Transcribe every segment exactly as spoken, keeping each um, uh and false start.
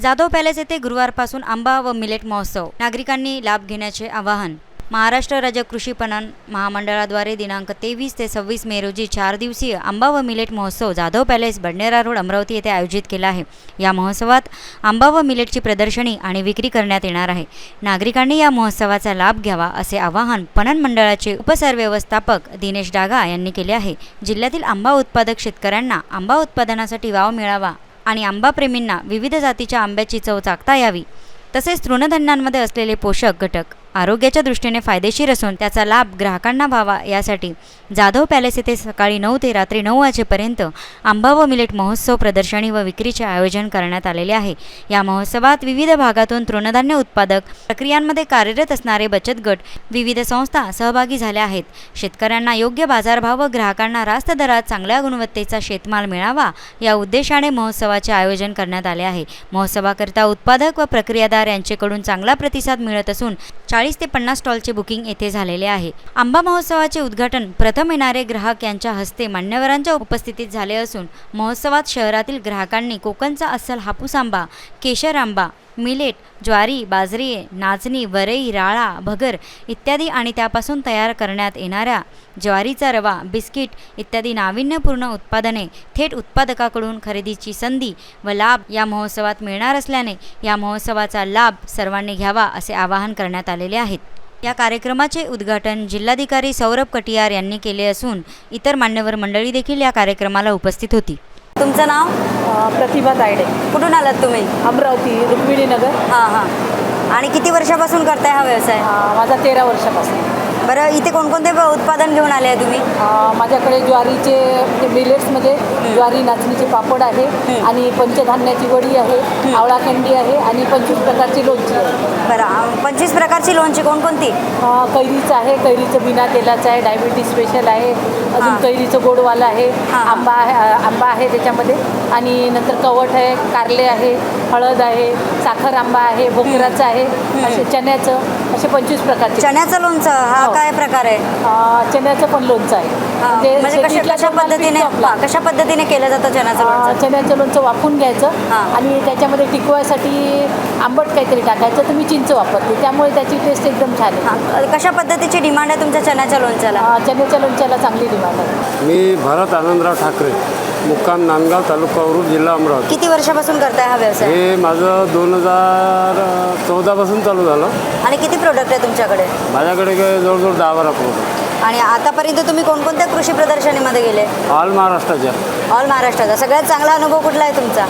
Jadhav palace येथे गुरुवारपासून आंबा व मिलेट महोत्सव, नागरिकांनी लाभ घेण्याचे आवाहन। महाराष्ट्र राज्य कृषी पणन महामंडळाद्वारे दिनांक तेवीस ते सव्वीस मे रोजी चार दिवसीय आंबा व मिलेट महोत्सव जाधव पॅलेस बडनेरा रोड अमरावती येथे आयोजित केला आहे। या महोत्सवात आंबा व मिलेटची प्रदर्शनी आणि विक्री करण्यात येणार आहे। नागरिकांनी या महोत्सवाचा लाभ घ्यावा असे आवाहन पणन मंडळाचे उपसरव्यवस्थापक दिनेश डागा यांनी केले आहे। जिल्ह्यातील आंबा उत्पादक शेतकऱ्यांना आंबा उत्पादनासाठी वाव मिळावा आणि आंबा प्रेमींना विविध जातीच्या आंब्याची चव चाखता यावी, तसेच तृणधान्यांमध्ये असलेले पोषक घटक आरोग्याच्या दृष्टीने फायदेशीर असून त्याचा लाभ ग्राहकांना व्हावा यासाठी जाधव पॅलेस येथे सकाळी नऊ ते रात्री नऊ वाजेपर्यंत आंबा व मिलेट महोत्सव प्रदर्शनी व विक्रीचे आयोजन करण्यात आलेले आहे। या महोत्सवात विविध भागातून तृणधान्य उत्पादक प्रक्रियांमध्ये कार्यरत असणारे बचत गट, विविध संस्था सहभागी झाल्या आहेत। शेतकऱ्यांना योग्य बाजारभाव व ग्राहकांना रास्त दरात चांगल्या गुणवत्तेचा शेतमाल मिळावा या उद्देशाने महोत्सवाचे आयोजन करण्यात आले आहे। महोत्सवाकरिता उत्पादक व प्रक्रियादार यांच्याकडून चांगला प्रतिसाद मिळत असून चाळीस ते पन्नास स्टॉलचे बुकिंग येथे झालेले आहे। आंबा महोत्सवाचे उद्घाटन प्रथम येणारे ग्राहक यांच्या हस्ते मान्यवरांच्या उपस्थितीत झाले असून महोत्सवात शहरातील ग्राहकांनी कोकणचा अस्सल हापूस आंबा, केशर आंबा, मिलेट, ज्वारी, बाजरी, नाचणी, वरई, राळा, भगर इत्यादी आणि त्यापासून तयार करण्यात येणाऱ्या ज्वारीचा रवा, बिस्किट इत्यादी नाविन्यपूर्ण उत्पादने थेट उत्पादकाकडून खरेदीची संधी व लाभ या महोत्सवात मिळणार असल्याने या महोत्सवाचा लाभ सर्वांनी घ्यावा असे आवाहन करण्यात आलेले आहे। या कार्यक्रमाचे उद्घाटन जिल्हाधिकारी सौरभ कटियार यांनी केले असून इतर मान्यवर मंडळी देखील या कार्यक्रमाला उपस्थित होती। तुमचं नाव? प्रतिभा तायडे। कुठून आलात तुम्ही? अमरावती, रुक्मिणी नगर। हां हां आणि किती वर्षापासून करताय हा व्यवसाय? माझा तेरा वर्षापासून। बरं, इथे कोणकोणते उत्पादन घेऊन आले आहे तुम्ही? माझ्याकडे ज्वारीचे म्हणजे मिलेट्समध्ये ज्वारी नाचणीचे पापड आहे आणि पंचधान्याची वडी आहे, आवळा कँडी आहे आणि पंचवीस प्रकारची लोणची आहे। बरं, पंचवीस प्रकारची लोणची कोणकोणती? कैरीचं आहे, कैरीचं बिना तेलाचं आहे, डायबिटीज स्पेशल आहे, अजून कैरीचं गोडवाला आहे, आंबा आहे आंबा आहे त्याच्यामध्ये आणि नंतर कवठ आहे, कारले आहे, हळद आहे, साखर आंबा आहे, भोकराचं आहे, असे चण्याचं, असे पंचवीस प्रकारचे। चण्याचं लोणचं हा काय प्रकार आहे? चण्याचं पण लोणचं आहे। म्हणजे कशा कशा पद्धतीने कशा पद्धतीने केलं जातं चण्याचं लोणचं? चण्याचं लोणचं वाफवून घ्यायचं आणि त्याच्यामध्ये टिकवायसाठी आंबट काहीतरी टाकायचं, तुम्ही चिंच वापरते त्यामुळे त्याची टेस्ट एकदम छान आहे। कशा पद्धतीची डिमांड आहे तुमच्या चण्याच्या लोणच्याला? चण्याच्या लोणच्याला चांगली डिमांड आहे। मी भरत आनंदराव ठाकरे, मुक्काम नांदगाव, तालुका औरूड, जिल्हा अमरावती। किती वर्षापासून करताय हा व्यवसाय? हे माझं दोन हजार चौदापासून चालू झालं। आणि किती प्रोडक्ट आहे तुमच्याकडे? माझ्याकडे जवळजवळ दहा बारा प्रोडक्ट। आणि आतापर्यंत तुम्ही कोणकोणत्या कृषी प्रदर्शनीमध्ये गेले? ऑल महाराष्ट्राच्या। ऑल महाराष्ट्राचा सगळ्यात चांगला अनुभव कुठला आहे तुमचा?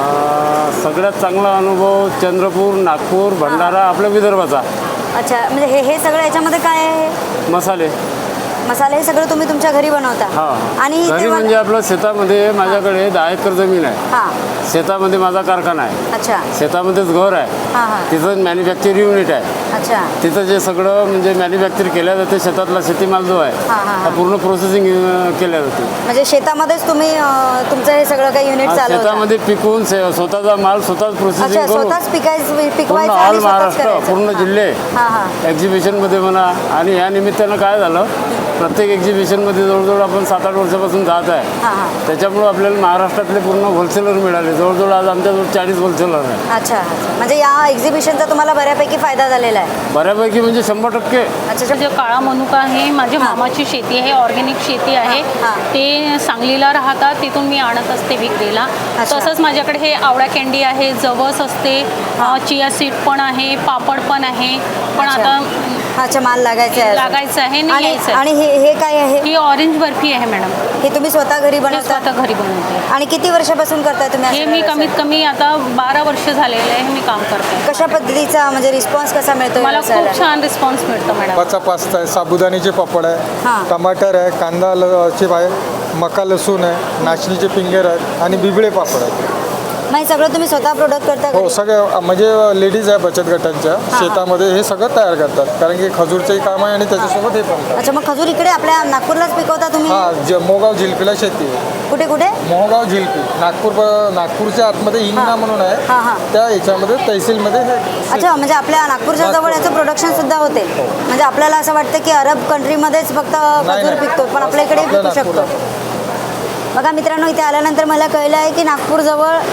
सगळ्यात चांगला अनुभव चंद्रपूर, नागपूर, भंडारा, आपल्या विदर्भाचा। अच्छा, म्हणजे हे हे सगळं याच्यामध्ये काय आहे? मसाले मसाले हे सगळं तुम्ही तुमच्या घरी बनवता? हां, आणि घरी म्हणजे आपलं शेतामध्ये माझ्याकडे दहा एकर जमीन आहे। हां, शेतामध्ये माझा कारखाना आहे। अच्छा, शेतामध्येच घर आहे। हां हां, तिथं मॅन्युफॅक्चर युनिट आहे। अच्छा, तिथं जे सगळं म्हणजे मॅन्युफॅक्चर केल्या जाते, शेतातला शेतीमाल जो आहे हां हां हा पूर्ण प्रोसेसिंग केल्या जाते। म्हणजे शेतामध्येच तुम्ही अं, तुमचं हे सगळं काही युनिट चालवता? शेतामध्ये पिकवून से- स्वतःचा माल स्वतःच प्रोसेसिंग अच्छा, करून स्वतःच पिकायचं पूर्ण पिकवायचं ऑल आणि स्वतःच महाराष्ट्र, करायचं? पूर्ण जिल्हे हां हां, एक्झिबिशनमध्ये म्हणा। आणि या निमित्तानं काय झालं, प्रत्येक एक्झिबिशनमध्ये जवळजवळ आपण सात आठ वर्षापासून जात आहे। हां हां, त्याच्यामुळं आपल्याला महाराष्ट्रातले पूर्ण होलसेलर मिळाले। जवळजवळ आज आमच्याजवळ चाळीस होलसेलर आहे। अच्छा, म्हणजे या एक्झिबिशनचा तुम्हाला बऱ्यापैकी फायदा झालेला आहे? बऱ्यापैकी म्हणजे शंभर टक्के। अच्छा, जो काळा मनुका आहे, माझ्या मामाची शेती आहे, ऑर्गॅनिक शेती आहे, हां. ते सांगलीला राहतात, तिथून मी आणत असते विक्रीला। अच्छा. तसंच माझ्याकडे हे आवळा कँडी आहे, जवस असते, चिया सीड पण आहे, पापड पण आहे, पण अच्छा. आता अच्छा, माल लागायचा आहे? लागायचं आहे आणि आणि यायचं आहे। आणि हे हे काय आहे? ही ऑरेंज बर्फी आहे मॅडम, हे तुम्ही स्वतः घरी हे बनवता? स्वतः घरी बनवते। आणि किती वर्षापासून करताय तुम्ही हे असं मी व्यवसाय? कमीत कमी आता बारा वर्ष झालेलं आहे मी काम करते। कशा पद्धतीचा म्हणजे रिस्पॉन्स कसा मिळतो मला व्यवसायाला? खूप छान रिस्पॉन्स मिळतो मॅडम। पाचा पास्ता आहे, साबुदाण्याचे पापड आहे, हां. टमाटर आहे, कांदा ल चिप आहे, मका लसूण आहे, नाचणीचे पिंगेर आहेत आणि बिबळे पापड आहेत। मग हे सगळं तुम्ही स्वतः प्रोडक्ट करता हो, घरी? सगळे म्हणजे लेडीज आहे बचत गटांच्या शेतामध्ये हे सगळं तयार करतात, कारण की खजूरचंही काम आहे आणि त्याच्यासोबत हे पण। अच्छा, मग खजूर इकडे आपल्या नागपूरलाच पिकवता तुम्ही? हां, ज मोगाव झिलपीला शेती आहे। कुठे कुठे? मोहगाव झिलपी, नागपूर नागपूरच्या आतमध्ये हिंगणा म्हणून हां, आहे, हां. त्या याच्यामध्ये तहसीलमध्ये हे अच्छा, म्हणजे आपल्या नागपूरच्या जवळ याचं प्रोडक्शन सुद्धा होते? म्हणजे आपल्याला असं वाटतं की अरब कंट्रीमध्येच फक्त नाही, खजूर नाही. पिकतो, पण आपल्या इकडे आपल्या पिकू शकतो? नागपूरला. बघा मित्रांनो, इथे आल्यानंतर मला कळलं आहे की नागपूरजवळ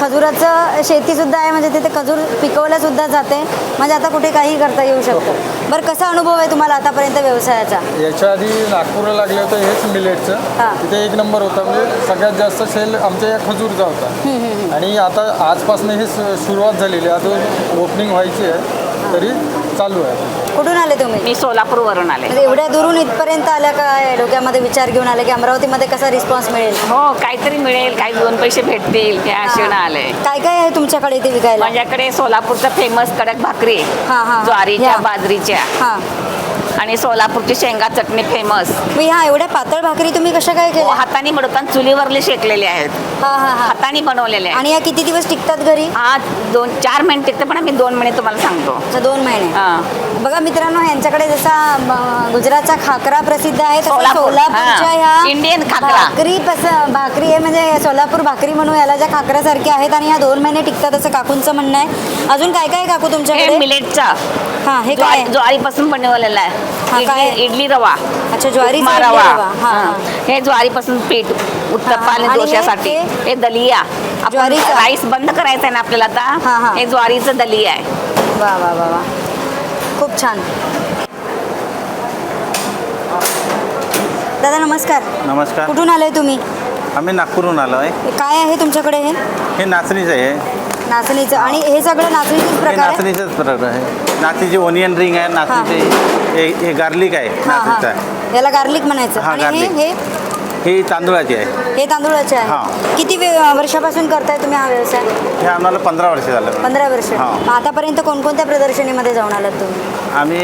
खजुराचं शेतीसुद्धा आहे, म्हणजे तिथे खजूर पिकवल्यासुद्धा जाते, म्हणजे आता कुठे काही करता येऊ शकतं. बरं, कसा अनुभव आहे तुम्हाला आतापर्यंत व्यवसायाचा? याच्या आधी नागपूरला लागले होतं हेच हां. मिलेटचं, तिथे एक नंबर होता, म्हणजे सगळ्यात जास्त सेल आमच्या या खजूरचा होता. आणि आता आजपासून हे सु- सुरुवात झालेली आहे, अजून ओपनिंग व्हायची आहे, तरी चालू आहे. कुठून आले तुम्ही? मी सोलापूरवरून आले. म्हणजे एवढ्या दुरून इथपर्यंत आल्या, काय डोक्यामध्ये विचार घेऊन आले की अमरावतीमध्ये कसा रिस्पॉन्स मिळेल? हो, काहीतरी मिळेल, काही दोन पैसे भेटतील त्या आशेनं आले. काय काय आहे तुमच्याकडे इथे विकायला? माझ्याकडे सोलापूरचा फेमस कडक भाकरी आहे. हां, हां. ज्वारीच्या ह्या. बाजरीच्या हां, आणि सोलापूरची शेंगा चटणी फेमस. मी ह्या एवढ्या पातळ भाकरी तुम्ही कशा काय हो, केल्या? हाताने बनवताना चुलीवरले शेकलेले आहेत, हां हां हां. हाताने बनवलेले आहेत. आणि या किती दिवस टिकतात घरी? हा दोन चार महिने टिकते, पण आम्ही दोन महिने तुम्हाला सांगतो. अच्छा, दोन महिने. हां. बघा मित्रांनो, यांच्याकडे जसा म, गुजरातचा खाकरा प्रसिद्ध आहे, तसा सोलापूर. सोलापूरच्या हां. ह्या इंडियन खाकरा. भाकरी पस भाकरी आहे, म्हणजे सोलापूर भाकरी म्हणून याला ज्या खाकऱ्यासारख्या आहेत आणि ह्या दोन महिने टिकतात असं काकूंचं म्हणणं आहे. अजून काय काय आहे काकू हे तुमच्याकडे? मिलेटचा हां, हे काय ज्वारी आहे? ज्वारीपासून बनवलेला हा, आहे. काय? इडली इडली रवा. अच्छा, ज्वारीचा उपमा इडली रवा. रवा. हां, हां. हां. हे ज्वारीपासून पीठ उत्तप्पा हां, आणि आणि हे- डोश्यासाठी. हे? हे दलिया. आपण ज्वारीचं? राईस बंद करायचं आहे ना आपल्याला हां, आता. हां. हे ज्वारीचं दलिया आहे. वा वा वा वा, खूप छान. दादा नमस्कार. नमस्कार. कुठून आले तुम्ही? आम्ही नागपूरहून आलो आहे. हे काय आहे तुमच्याकडे? हे हे नाचणीचं आहे. नाचणीचं. आणि हे सगळं नाचणीचंच हे प्रकार आहे? नाचणीचंच प्रकार आहे. नाचणीची ओनियन रिंग आहे, नाचणीचे हे हे गार्लिक आहे हां नाचणीचं. हां, याला गार्लिक म्हणायचं. हां, आणि हे garlic. हे ही तांदूळाची आहे. हे तांदूळाचे आहे. हां. किती वे- वर्षापासून करताय तुम्ही हा व्यवसाय? हे आम्हाला पंधरा वर्ष झालं. पंधरा वर्ष. हां. मग आतापर्यंत कोणकोणत्या प्रदर्शनीमध्ये जाऊन आलात तुम्ही? आम्ही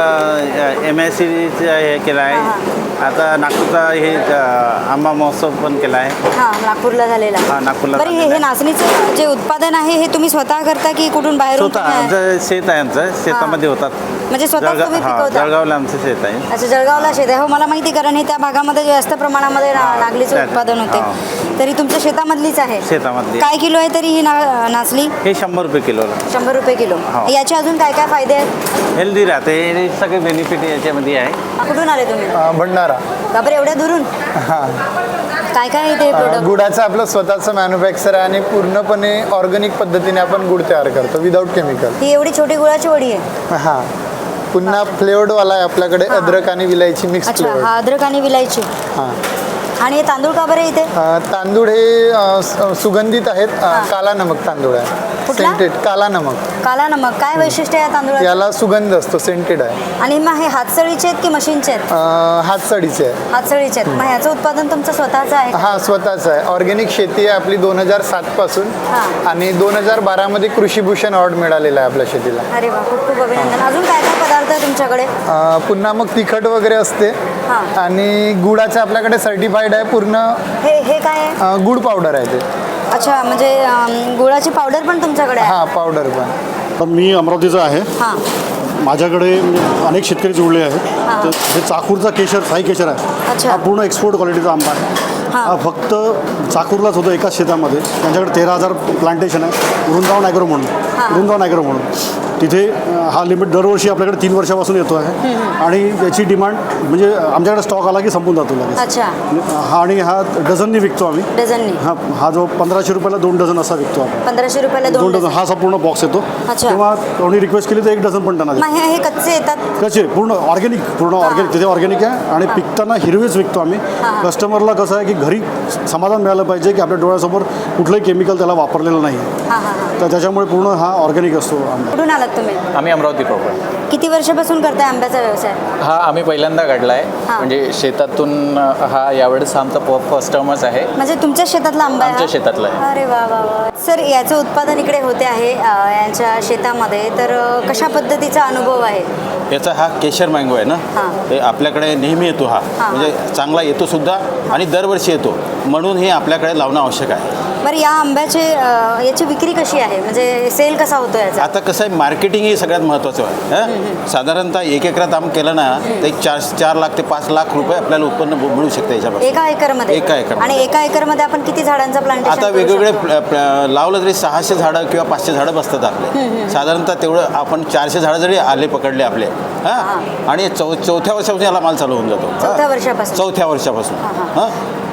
एम एस सीचं हे केलं हां, आहे. आता नागपूरचा हे अ, आंबा महोत्सव पण केला आहे. हां, नागपूरला झालेला. हां, नागपूरला बरं, हे झालेला हे आहे. नाचणीचं जे उत्पादन आहे हे तुम्ही स्वतः करता की कुठून बाहेरून स्वतः तुम्ही- आमचं शेत आहे, आमचं शेतामध्ये होतात. म्हणजे स्वतः जळगाव तुम्ही हां, पिकवता? जळगावला आमचं शेत आहे. अच्छा, जळगावला शेत आहे. हो, मला माहिती, कारण हे त्या भागामध्ये जास्त प्रमाणामध्ये ना- नागलीचं त्या- उत्पादन होते. हां. तरी तुमच्या शेतामधलीच आहे? शेतामधली. काय किलो आहे तरी ही ना नाचली? हे शंभर रुपये किलोला. शंभर रुपये किलो. हो. याचे अजून काय काय फायदे आहेत? हेल्दी राहते, हे सगळे बेनिफिट याच्यामध्ये आहे. कुठून आले तुम्ही? भंडारा. बापरे, एवढ्या दुरून? हां. काय काय आहे इथे प्रोडक्ट? गुडाचं आपलं स्वतःचं मॅन्युफॅक्चर आहे आणि पूर्णपणे ऑर्गॅनिक पद्धतीने आपण गुड तयार करतो विदाऊट केमिकल. ही एवढी छोटी गुळाची वडी आहे? हां. पुन्हा फ्लेवर्डवाला आहे आपल्याकडे, हां. अद्रक आणि विलायची मिक्स अच्छा, फ्लेवर. हा अद्रक आणि विलायची. हां. आणि हे तांदूळ का बरं इथे? अ, तांदूळ हे अ, स- सुगंधित आहेत. अ, हां. काला नमक तांदूळ आहे. कुठला? सेंटेड काला नमक. काला नमक. काय वैशिष्ट्य आहे या तांदूळाचं? याला सुगंध असतो, सेंटेड आहे. आणि मग हे हातसळीचे आहेत की मशीनचे आहेत? अ, हातसडीचे आहे. हातसळीचे आहेत. मग ह्याचं उत्पादन तुमचं स्वतःचं आहे का? हा स्वतःच आहे. ऑर्गॅनिक शेती आहे आपली दोन हजार सात पासून. हां. आणि दोन हजार बारामध्ये कृषीभूषण अवॉर्ड मिळालेला आहे आपल्या शेतीला. अरे वा, खूप खूप अभिनंदन. अजून काय काय पदार्थ आहे तुमच्याकडे? अ, पुन्हा मग तिखट वगैरे असते. हां. आणि गुळाचं आपल्याकडे सर्टिफाईड आहे पूर्ण. हे हे काय आहे? अ, गुळ पावडर आहे ते. अच्छा, म्हणजे अम, गुळाची पावडर पण तुमच्याकडे आहे? हा पावडर पण. तर मी अमरावतीचा आहे. हां. माझ्याकडे म्हणजे अनेक शेतकरी जुळले आहेत. तर हे चाकूरचा केशर, साई केशर आहे. अच्छा. हा पूर्ण एक्सपोर्ट क्वालिटीचा आंबा आहे. हां. हा फक्त चाकूरलाच होतो एकाच शेतामध्ये. त्यांच्याकडे तेरा हजार प्लांटेशन आहे, वृंदावन ॲग्रो म्हणून. वृंदावन ॲग्रो म्हणून तिथे अं, हा लिमिट दरवर्षी आपल्याकडे तीन वर्षापासून येतो आहे. आणि याची डिमांड म्हणजे आमच्याकडे स्टॉक आला की संपून जातो लगेच. अच्छा. हा आणि हा डझननी विकतो आम्ही. डझननी? हा हा जो पंधराशे रुपयाला दोन डझन असा विकतो आपण. पंधराशे रुपयाला दोन दोन डझन डझन. हा असा पूर्ण बॉक्स येतो. अच्छा. तेव्हा कोणी रिक्वेस्ट केली तर एक डझन पण त्यांना देतो. मग हे हे कच्चे येतात? कसे पूर्ण ऑर्गॅनिक, पूर्ण ऑर्गॅनिक तिथे ऑर्गॅनिक आहे. आणि पिकताना हिरवेच विकतो आम्ही. कस्टमरला कसं आहे की घरी समाधान मिळालं पाहिजे की आपल्या डोळ्यासमोर कुठलंही केमिकल त्याला वापरलेलं नाही. हां हां हां. तर त्याच्यामुळे पूर्ण हा ऑर्गॅनिक असतो आंबा. कुठून आलात तुम्ही? आम्ही अमरावती प्रॉपर. किती वर्षापासून करताय आंब्याचा व्यवसाय? हा आम्ही पहिल्यांदा काढला आहे. हां. म्हणजे शेतातून हा यावेळेस आमचा फर्स्ट टर्मच आहे. म्हणजे तुमच्या शेतातला आंबा आहे हा? आमच्या शेतातला आहे. अरे वा वा वा. सर, याचं उत्पादन इकडे होते आहे अ, यांच्या शेतामध्ये, तर अ, कशा पद्धतीचा अनुभव आहे? याचा हा केशर मँगो आहे ना, हां. हे आपल्याकडे नेहमी येतो हा. हां. म्हणजे चांगला येतो सुद्धा आणि दरवर्षी येतो, म्हणून हे आपल्याकडे लावणं आवश्यक आहे. बरं, या आंब्याचे अ, याची विक्री कशी आहे? म्हणजे सेल कसा होतो याचा? आता कसं आहे, मार्केटिंग ही सगळ्यात महत्त्वाचं आहे. हं? साधारणतः एक एकरात आम केलं ना तर एक चार चार लाख ते पाच लाख रुपये आपल्याला उत्पन्न ब- मिळू शकतं याच्यापासून. एका एकरमध्ये? एका एकरमध्ये. आणि एका एकरमध्ये आपण किती झाडांचं प्लांटेशन आता वेगवेगळे प्ल- प्ल- लावलं तरी सहाशे झाडं किंवा पाचशे झाडं बसतात आपले. साधारणतः तेवढं आपण चारशे झाडं जरी आले पकडले आपले, हां, आणि चौ चौथ्या वर्षापासून याला माल चालू होऊन जातो. चौथ्या हां. वर्षापासून? चौथ्या वर्षापासून हां, हां.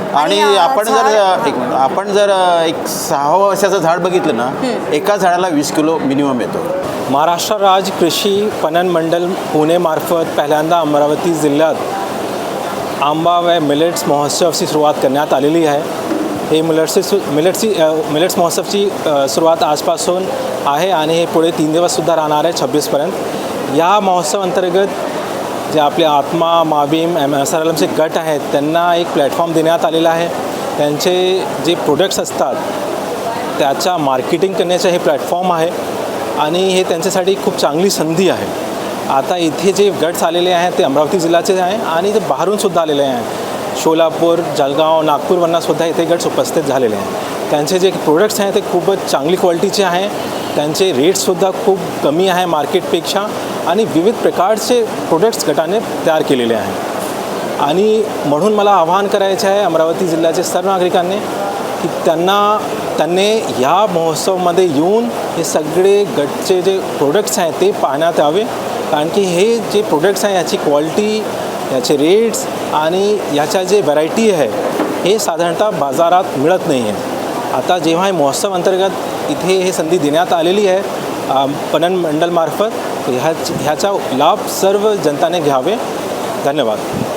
आणि अ, आपण जर झाड- एक मिनिट, आपण जर एक सहा वर्षाचं झाड बघितलं ना, एका झाडाला वीस किलो मिनिमम येतो. महाराष्ट्र राज्य कृषी पणन मंडळ पुणेमार्फत पहिल्यांदा अमरावती जिल्ह्यात आंबा व मिलेट्स महोत्सवची सुरुवात करण्यात आलेली आहे. हे मिलेट्सची सु मिलेट्सची मिलेट्स महोत्सवची अ, सुरुवात आजपासून आहे आणि हे पुढे तीन दिवससुद्धा राहणार आहे छब्बीसपर्यंत. या महोत्सव अंतर्गत जे आपले आत्मा माबीम एम एस आर एल एमचे गट आहेत त्यांना एक प्लॅटफॉर्म देण्यात आलेला आहे. त्यांचे जे प्रोडक्ट्स असतात त्याच्या मार्केटिंग करण्याचं हे प्लॅटफॉर्म आहे आणि हे त्यांच्यासाठी खूप चांगली संधी आहे. आता इथे जे गट्स आलेले आहेत ते अमरावती जिल्ह्याचे आहे आणि ते बाहेरूनसुद्धा आलेले आहेत. सोलापूर, जळगाव, नागपूरवरनंसुद्धा इथे गट्स उपस्थित झालेले आहेत. त्यांचे जे प्रोडक्ट्स आहेत ते खूपच चांगली क्वालिटीचे आहे. त्यांचे रेट्ससुद्धा खूप कमी आहे मार्केटपेक्षा आणि विविध प्रकारचे प्रोडक्ट्स गटाने तयार केलेले आहेत. आणि म्हणून मला आवाहन करायचे आहे अमरावती जिल्ह्याचे सर्व नागरिकांनी की त्यांना त्यांनी ह्या महोत्सवमध्ये येऊन हे सगळे गटचे जे प्रोडक्ट्स आहेत ते पाहण्यात यावे. कारण की हे जे प्रोडक्ट्स आहे याची क्वालिटी, याचे रेट्स आणि याच्या जे व्हरायटी आहे हे साधारणतः बाजारात मिळत नाही आहे. आता जेव्हा हे महोत्सव अंतर्गत इथे हे संधी देण्यात आलेली आहे पणन मंडळमार्फत, ह्या ह्याचा लाभ सर्व जनताने घ्यावे. धन्यवाद.